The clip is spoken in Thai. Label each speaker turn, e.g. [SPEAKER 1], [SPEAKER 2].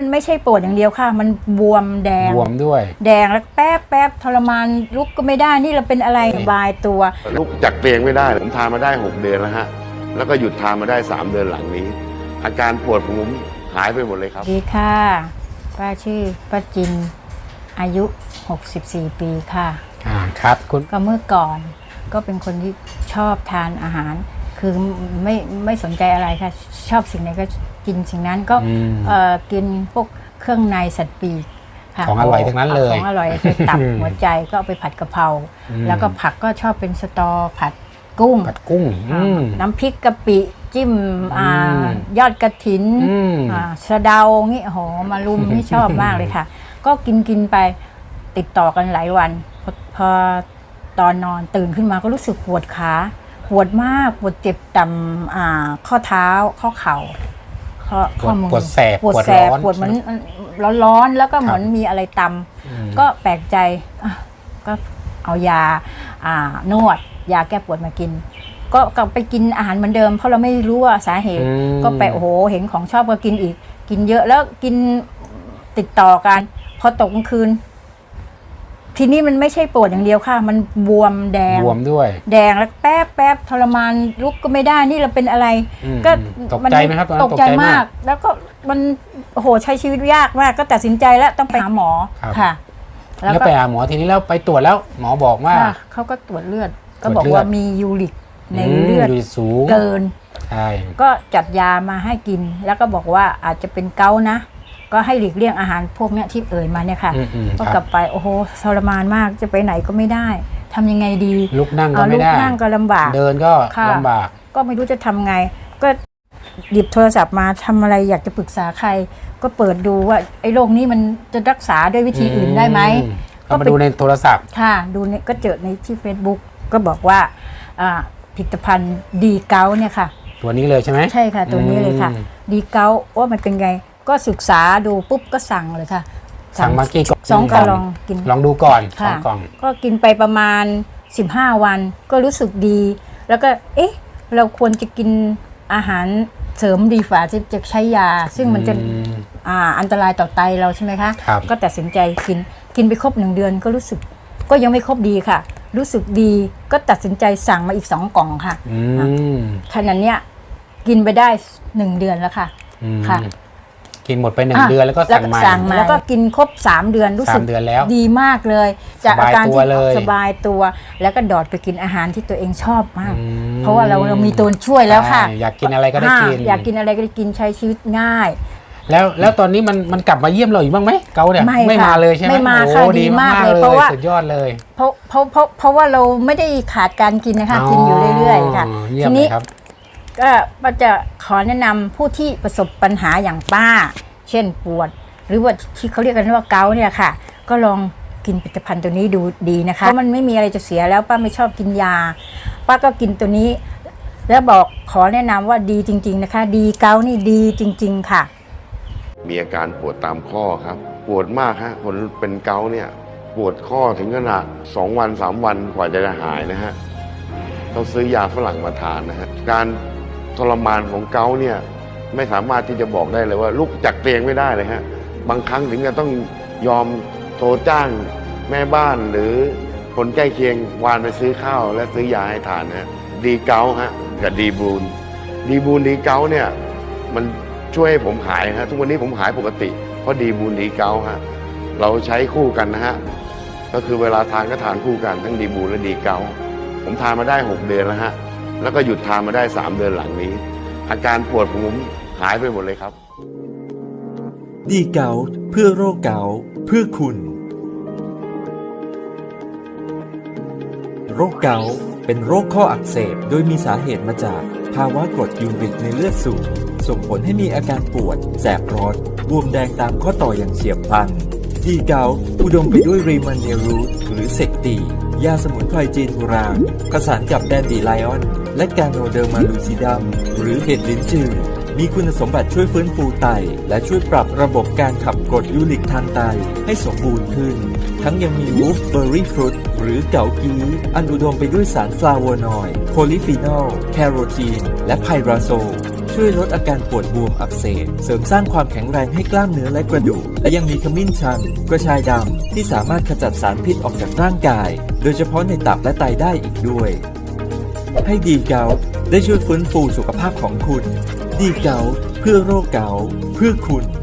[SPEAKER 1] ไม่ใช่ปวดอย่างเดียวค่ะมันบวมแดง
[SPEAKER 2] บวมด้วย
[SPEAKER 1] แดงแล้วแป๊บทรมานลุกก็ไม่ได้นี่เราเป็นอะไรสบายตัว
[SPEAKER 3] ลุกจากเตียงไม่ได้ผมทานมาได้6 เดือนแล้วฮะแล้วก็หยุดทานมาได้3 เดือนหลังนี้อาการปวดผมหายไปหมดเลยครับ
[SPEAKER 1] ดีค่ะป้าชื่อป้าจินอายุ64 ปีค่ะ
[SPEAKER 2] ครับคุณ
[SPEAKER 1] ก็เมื่อก่อนก็เป็นคนที่ชอบทานอาหารคือไม่สนใจอะไรค่ะชอบสิ่งไหนก็กินสิ่งนั้นก็กินพวกเครื่องในสัตว์ปีก
[SPEAKER 2] ของอร่อยทั้งนั้นเลย
[SPEAKER 1] ของอร่อยไปตับหัวใจก็เอาไปผัดกะเพราแล้วก็ผักก็ชอบเป็นสตอผัดกุ้งน้ำพริกกะปิจิ้มยอดกระถินสะเดางี้โหมารุมนี่ชอบมากเลยค่ะก็กินไปติดต่อกันหลายวันพอตอนนอนตื่นขึ้นมาก็รู้สึกปวดขาปวดมากปวดเจ็บต่ำข้อเท้าข้อเข่าข้อมือ
[SPEAKER 2] ปวดแสบ
[SPEAKER 1] ปวดเหมือนร้อนแล้วก็เหมือนมีอะไรตำก็แปลกใจก็เอายานวดยาแก้ปวดมากินก็กลับไปกินอาหารเหมือนเดิมเพราะเราไม่รู้ว่าสาเหตุก็ไปโอ้โหเห็นของชอบก็กินอีกกินเยอะแล้วกินติดต่อกันพอตกกลางคืนทีนี้มันไม่ใช่ปวดอย่างเดียวค่ะมันบวมแดง
[SPEAKER 2] บวมด้วย
[SPEAKER 1] แดงแล้วแป๊บทรมานลุกก็ไม่ได้นี่เราเป็นอะไร
[SPEAKER 2] ก็ตกใจไหมครับ
[SPEAKER 1] ตกใจมากแล้วก็มันโอ้โหใช้ชีวิตยากมากก็ตัดสินใจแล้วต้องไปหาหมอค่ะ
[SPEAKER 2] แล้วไปหาหมอทีนี้แล้วไปตรวจแล้วหมอบอกว่า
[SPEAKER 1] เขาก็ตรวจเลือดก็บอกว่ามียูริกในเลือด
[SPEAKER 2] สูง
[SPEAKER 1] เกิน
[SPEAKER 2] ใช่
[SPEAKER 1] ก็จัดยามาให้กินแล้วก็บอกว่าอาจจะเป็นเกาต์นะก็ให้หลีกเลี่ยงอาหารพวกนี้ที่เอ่ยมาเนี่ยค่ะก็กลับไปโอ้โหทรมานมากจะไปไหนก็ไม่ได้ทำยังไงดี
[SPEAKER 2] ลุกนั่งก็ไม่ได้
[SPEAKER 1] ลุกนั่งก็ลำบาก
[SPEAKER 2] เดินก็ลำบาก
[SPEAKER 1] ก็ไม่รู้จะทำไงก็หยิบโทรศัพท์มาทำอะไรอยากจะปรึกษาใครก็เปิดดูว่าไอ้โรคนี้มันจะรักษาด้วยวิธีอื่นได้ไหม
[SPEAKER 2] ก็มาดูในโทรศัพท์
[SPEAKER 1] ค่ะดูเนี่ยก็เจอในที่ Facebook ก็บอกว่าผลิตภัณฑ์ดีเกาเนี่ยค่ะ
[SPEAKER 2] ตัวนี้เลยใช่ไหม
[SPEAKER 1] ใช่ค่ะตัวนี้เลยค่ะดีเกาว่ามันเป็นไงก็ศึกษาดูปุ๊บก็สั่งเลยค่ะ
[SPEAKER 2] สั่งมากี่กล่อง
[SPEAKER 1] 2 กล่องกิน
[SPEAKER 2] ลองดูก่อน2 กล่อง
[SPEAKER 1] ก็กินไปประมาณ15 วันก็รู้สึกดีแล้วก็เราควรจะกินอาหารเสริมดีฝ่าจะใช้ยาซึ่งมันจะอันตรายต่อไตเราใช่ไหมคะก็ตัดสินใจกินไปครบ1 เดือนก็รู้สึกก็ยังไม่ครบดีค่ะรู้สึกดีก็ตัดสินใจสั่งมาอีก2 กล่องค่ะขนาดเนี้ยกินไปได้1 เดือนแล้วค่ะ
[SPEAKER 2] กินหมดไป1 เดือนแล้วก็สั่งมา
[SPEAKER 1] แล้วก็กินครบ3 เดือนรู้สึกดีมากเลยจากอาการที่สบายตัวแล้วก็ดอดไปกินอาหารที่ตัวเองชอบมากเพราะว่าเรามีตัวช่วยแล้วค่ะ
[SPEAKER 2] อยากกินอะไรก็ได้กิน
[SPEAKER 1] อยากกินอะไรก็ได้กินใช้ชีวิตง่าย
[SPEAKER 2] แล้วตอนนี้มันกลับมาเยี่ยมเราอีกบ้างไหมเกาเนี่ยไม่มาเลยใช่ไหม
[SPEAKER 1] ไม่มาค่ะดีมากเลยเพราะว่า
[SPEAKER 2] สุดยอดเลย
[SPEAKER 1] เพราะว่าเราไม่ได้ขาดการกินนะคะกินอยู่เรื่อยๆค่ะทีนี้ก็ป้าจะขอแนะนำผู้ที่ประสบปัญหาอย่างป้าเช่นปวดหรือว่าที่เขาเรียกกันว่าเกาต์เนี่ยค่ะก็ลองกินผลิตภัณฑ์ตัวนี้ดูดีนะคะเพราะมันไม่มีอะไรจะเสียแล้วป้าไม่ชอบกินยาป้าก็กินตัวนี้แล้วบอกขอแนะนำว่าดีจริงๆนะคะดีเกาต์นี่ดีจริงๆค่ะ
[SPEAKER 3] มีอาการปวดตามข้อครับปวดมากฮะคนเป็นเกาต์เนี่ยปวดข้อถึงขนาด2 วัน 3 วันกว่าจะหายนะฮะต้องซื้อยาฝรั่งมาทานนะฮะการทรมานของเกาต์เนี่ยไม่สามารถที่จะบอกได้เลยว่าลุกจากเตียงไม่ได้เลยฮะบางครั้งถึงจะต้องยอมโทรจ้างแม่บ้านหรือคนใกล้เคียงวานไปซื้อข้าวและซื้อยาให้ทานฮะดีเกาต์ฮะกับดีบูนดีเกาต์เนี่ยมันช่วยให้ผมหายฮะทุกวันนี้ผมหายปกติเพราะดีบูนดีเกาต์ฮะเราใช้คู่กันนะฮะก็คือเวลาทานก็ทานคู่กันทั้งดีบูนและดีเกาต์ผมทานมาได้6 เดือนแล้วฮะแล้วก็หยุดทานมาได้3 เดือนหลังนี้อาการปวดผมหายไปหมดเลยครับ
[SPEAKER 4] ดีเกาต์เพื่อโรคเกาต์เพื่อคุณโรคเกาต์เป็นโรคข้ออักเสบโดยมีสาเหตุมาจากภาวะกรดยูริกในเลือดสูงส่งผลให้มีอาการปวดแสบร้อนบวมแดงตามข้อต่ออย่างเฉียบพลันดีเกาต์อุดมไปด้วยรีมันเนรูทหรือเซกตียาสมุนไพรจีนโบราณผสานกับแดนดีไลออนและกาโนเดอร์มาลูซิดัมหรือเห็ดลิ้นจือมีคุณสมบัติช่วยฟื้นฟูไตและช่วยปรับระบบการขับกรดยูริกทางไตให้สมบูรณ์ขึ้นทั้งยังมีวูฟเบอร์รี่ฟรุตหรือเกากีอันอุดมไปด้วยสารฟลาโวนอยด์โพลีฟีนอลแคโรทีนและไพราโซลช่วยช่วยลดอาการปวดบวมอักเสบเสริมสร้างความแข็งแรงให้กล้ามเนื้อและกระดูกและยังมีขมิ้นชันกระชายดำที่สามารถขจัดสารพิษออกจากร่างกายโดยเฉพาะในตับและไตได้อีกด้วยให้ดีเกาต์ได้ช่วยฟื้นฟูสุขภาพของคุณดีเกาต์เพื่อโรคเกาต์เพื่อคุณ